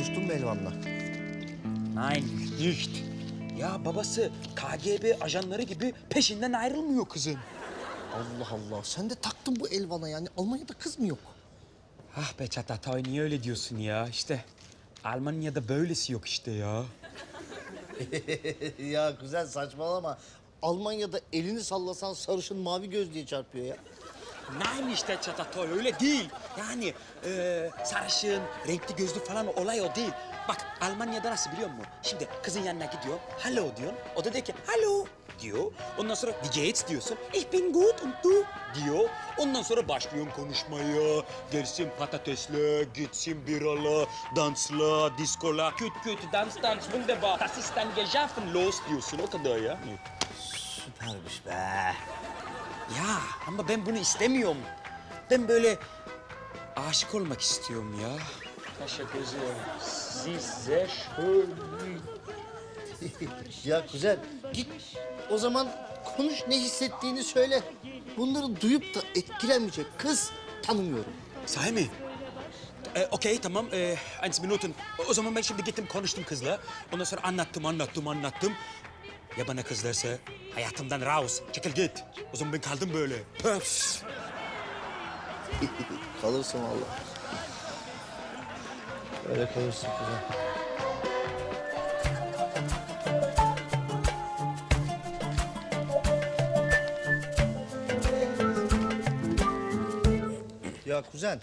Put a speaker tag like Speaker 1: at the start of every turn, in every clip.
Speaker 1: Konuştun mu Elvan'la?
Speaker 2: Nein, nicht. Ya babası KGB ajanları gibi peşinden ayrılmıyor kızın.
Speaker 1: Allah Allah. Sen de taktın bu Elvan'a yani. Almanya'da kız mı yok?
Speaker 2: Ah be Çatatay, niye öyle diyorsun ya? İşte Almanya'da böylesi yok işte ya.
Speaker 1: Ya güzel saçmalama. Almanya'da elini sallasan sarışın mavi göz diye çarpıyor ya.
Speaker 2: Nein işte Çatatay, öyle değil. Yani sarışın, renkli gözlü falan olay o değil. Bak Almanya'da nasıl biliyor musun? Şimdi kızın yanına gidiyor, hallo diyorsun. O da diyor ki hallo diyor. Ondan sonra wie geht's diyorsun. Ich bin gut und du diyor. Ondan sonra başlıyorsun konuşmaya. Gelsin patatesle, gitsin biralı, dansla, diskola. Küt küt, dans dans, wunderbar. Das ist dann geschaffen, los diyorsun. O kadar ya.
Speaker 1: Süpermiş be.
Speaker 2: Ya ama ben bunu istemiyorum. Ben böyle aşık olmak istiyorum ya. Teşekkür ederim. Siz sehr schön.
Speaker 1: Ya güzel git o zaman konuş ne hissettiğini söyle. Bunları duyup da etkilenmeyecek kız tanımıyorum.
Speaker 2: Sahi mi? Okey tamam. 1 Minuten. O zaman ben şimdi gittim konuştum kızla. Ondan sonra anlattım. Ya bana kız derse hayatımdan raus, çekil git. O zaman ben kaldım böyle. Pöf.
Speaker 1: Kalırsın vallahi. Öyle kalırsın güzel. Ya kuzen.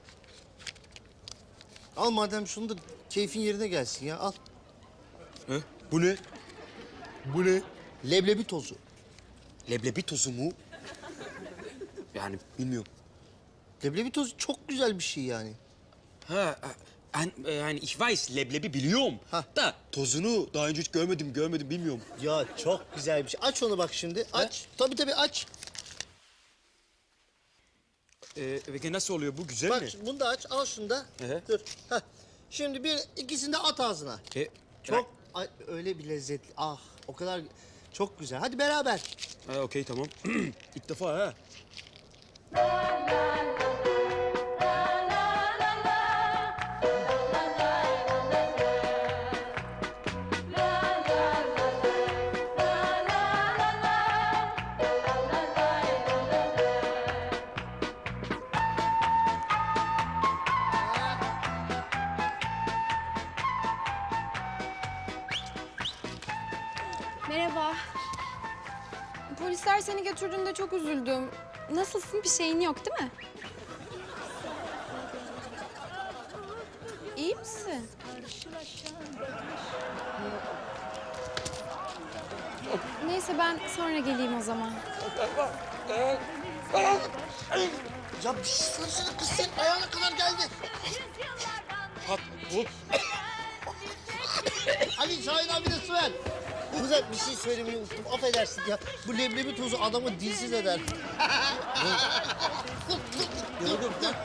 Speaker 1: Al madem şunu da keyfin yerine gelsin ya al.
Speaker 2: Bu ne? Bu ne?
Speaker 1: Leblebi tozu.
Speaker 2: Leblebi tozu mu? Yani bilmiyorum.
Speaker 1: Leblebi tozu çok güzel bir şey yani.
Speaker 2: Ha, yani ich weiß, leblebi biliyorum.
Speaker 1: Ha.
Speaker 2: Da tozunu daha önce hiç görmedim bilmiyorum.
Speaker 1: Ya çok güzel bir şey. Aç onu bak şimdi. Aç. Tabii aç.
Speaker 2: Peki nasıl oluyor bu, güzel
Speaker 1: Bak
Speaker 2: mi?
Speaker 1: bunu da aç. Al şunu da.
Speaker 2: Hı.
Speaker 1: Dur. Heh. Şimdi ikisini de at ağzına. Çok öyle bir lezzetli. Ah o kadar çok güzel. Hadi beraber.
Speaker 2: Okey tamam. İlk defa ha.
Speaker 3: Merhaba. Polisler seni götürdüğünde çok üzüldüm. Nasılsın? Bir şeyin yok değil mi? İyi misin? Neyse ben sonra geleyim o zaman.
Speaker 1: Ya bir şey söylesene kız senin ayağına kadar geldi. Ali Şahin abi de su ver. Güzel bir şey söylemeyi unuttum. Affedersin ya. Bu leblebi tozu adamı dilsiz eder.